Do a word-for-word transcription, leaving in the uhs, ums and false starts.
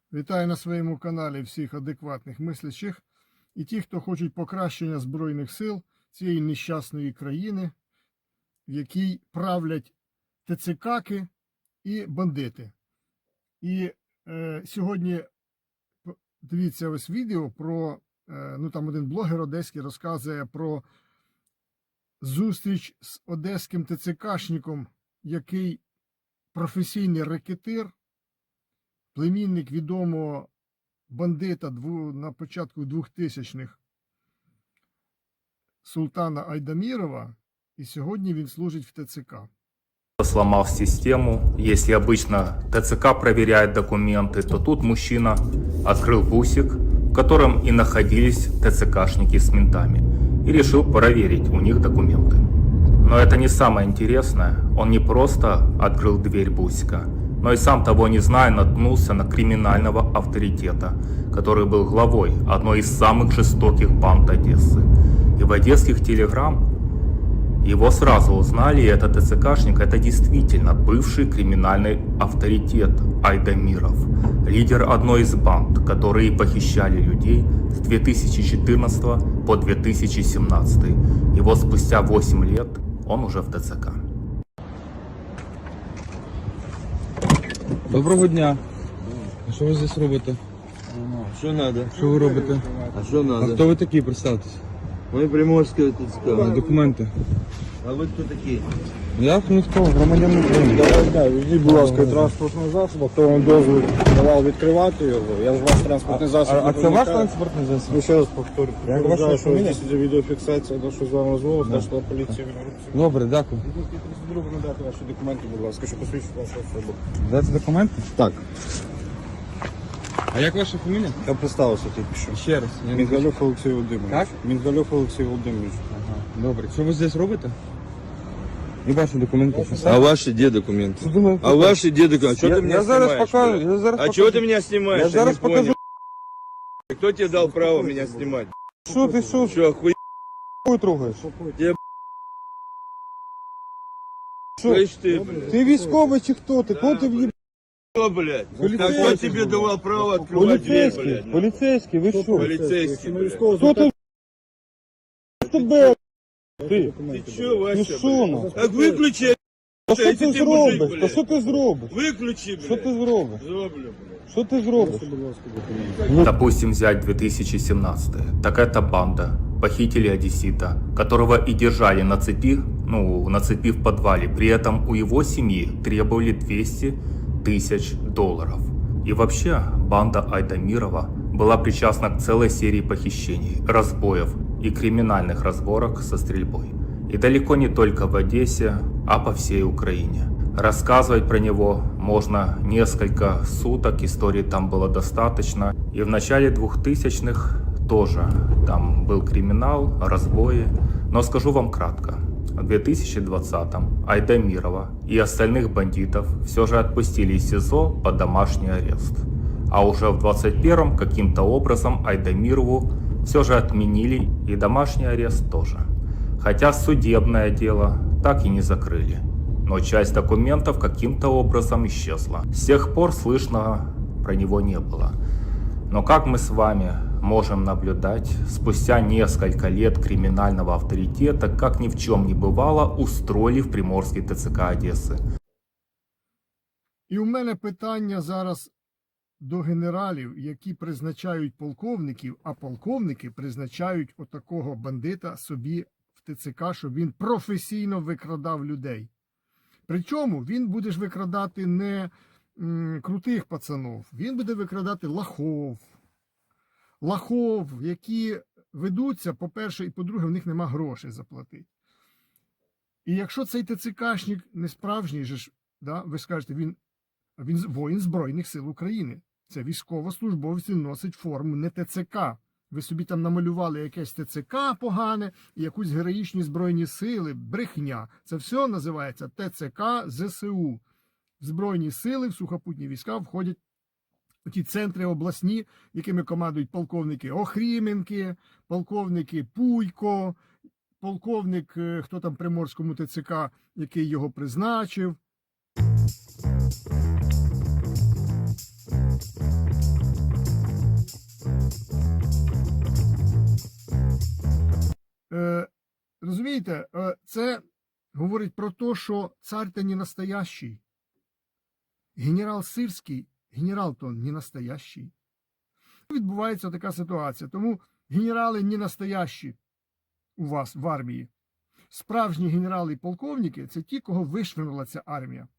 Вітаю на своєму каналі всіх адекватних мислячих і ті, хто хочуть покращення Збройних сил цієї нещасної країни, в якій правлять ТЦКки і бандити. І е, сьогодні дивіться ось відео про, е, ну там один блогер одеський розказує про зустріч з одеським ТЦКшником, який професійний рекетир, племінник відомого бандита на початку двохтисячних Султана Айдамірова, і сьогодні він служить в ТЦК. Сломал систему. Если обычно ТЦК проверяет документы, то тут мужчина открыл бусик, в котором и находились ТЦКшники с ментами, и решил проверить у них документы. Но это не самое интересное. Он не просто открыл дверь бусика, но и сам того не зная наткнулся на криминального авторитета, который был главой одной из самых жестоких банд Одессы. И в одесских телеграм его сразу узнали, и этот ТЦКшник — это действительно бывший криминальный авторитет Айдамиров, лидер одной из банд, которые похищали людей с две тысячи четырнадцатого по две тысячи семнадцатый. И вот спустя восемь лет он уже в ТЦК. Доброго дня. А що ви здесь робите? Що надо? Що ви робите? А що А надо? хто ви такі, представтесь? Ми Приморське А ТЦК. документи? А ви хто такі? Я ніхто, громадянин України. Давай, да, візьміть, будь ласка, транспортний засіб, хто вам дозвіл давав відкривати його. Я з вас транспортний засіб. А, а не це ваш проникаю. транспортний Ну, засіб? ще раз повторю. Як Я ваша вважаю, що фамілія? здесь іде відеофіксація, на що з вами розмова, знайшла поліція в інструкції. Добре, дякую. Друг, надати ваші документи, будь ласка, що посвідчить вашу особу. Дайте документи? Так, А як ваша фамілія? я представився тільки що. Ще раз. Я не знаю. Мінгалюк Олексій Володимирович. Як? Мінгалюк Олексій Володимирович. Ага, добре. Що ви здесь робите? І ваші документи. А ваші де документи? Що думаєте? А ваші де документи? Що Я, ти мене я зараз знімаєш, покажу. блядь? Я зараз А покажу. чого ти мене знімаєш? Я зараз не покажу. понял. Хто тебе дав право мене знімати? Що ти, що? Що, хуй Хуй трогаєш? Що? слышь ти, блядь? Ти військовий чи хто? Ти кого ти в'їб... Що, блядь? Поліцейський. А хто тебе давав право відкривати двері, Поліцейський, блядь? поліцейський, ви що? Поліцейський, блядь. Хто ти? Тебе? Ти? Ти що, Ти Вася, що, блядь? ну? Так виключи, Та що якщо ти ти мужик, зробиш? Та блядь. що ти зробиш? виключи, блядь. Що ти зробиш? Зроблю, блядь. Що ти зробиш? Допустим, взять две тысячи семнадцатый. Так это банда. Похитили одессита, которого и держали на цепи, ну, на цепи в подвале. При этом у его семьи требовали двести тысяч долларов. И вообще, банда Айдамирова была причастна к целой серии похищений, разбоев и криминальных разборок со стрельбой. И далеко не только в Одессе, а по всей Украине. Рассказывать про него можно несколько суток, историй там было достаточно. И в начале двухтысячных тоже там был криминал, разбои. Но скажу вам кратко. В две тысячи двадцатом Айдамирова и остальных бандитов все же отпустили из СИЗО под домашний арест. А уже в двадцать первом каким-то образом Айдамирову все же отменили и домашний арест тоже. Хотя судебное дело так и не закрыли. Но часть документов каким-то образом исчезла. С тех пор слышно про него не было. Но как мы с вами можем наблюдать, спустя несколько лет криминального авторитета, как ни в чем не бывало, устроили в Приморский ТЦК Одессы. І у мене питання зараз до генералів, які призначають полковників, а полковники призначають отакого бандита собі в ТЦК, щоб він професійно викрадав людей. Причому він буде ж викрадати не м, крутих пацанов, він буде викрадати лахов. Лахов, які ведуться, по-перше, і по-друге, в них нема грошей заплатити. І якщо цей ТЦКшник не справжній, же ж, да, ви скажете, він, він воїн Збройних сил України. Це військовослужбовець, він носить форму, не ТЦК. Ви собі там намалювали якесь ТЦК погане і якусь героїчні Збройні сили, брехня. Це все називається ТЦК ЗСУ. В Збройні сили, в сухопутні війська входять ті центри обласні, якими командують полковники Охріменки, полковники Пуйко, полковник, хто там Приморському ТЦК, який його призначив. Розумієте, е, це говорить про те, що цар-то не настоящий. Генерал Сирський, генерал-то не настоящий. Відбувається така ситуація. Тому генерали не настоящі у вас в армії. Справжні генерали і полковники – це ті, кого вишвирнула ця армія.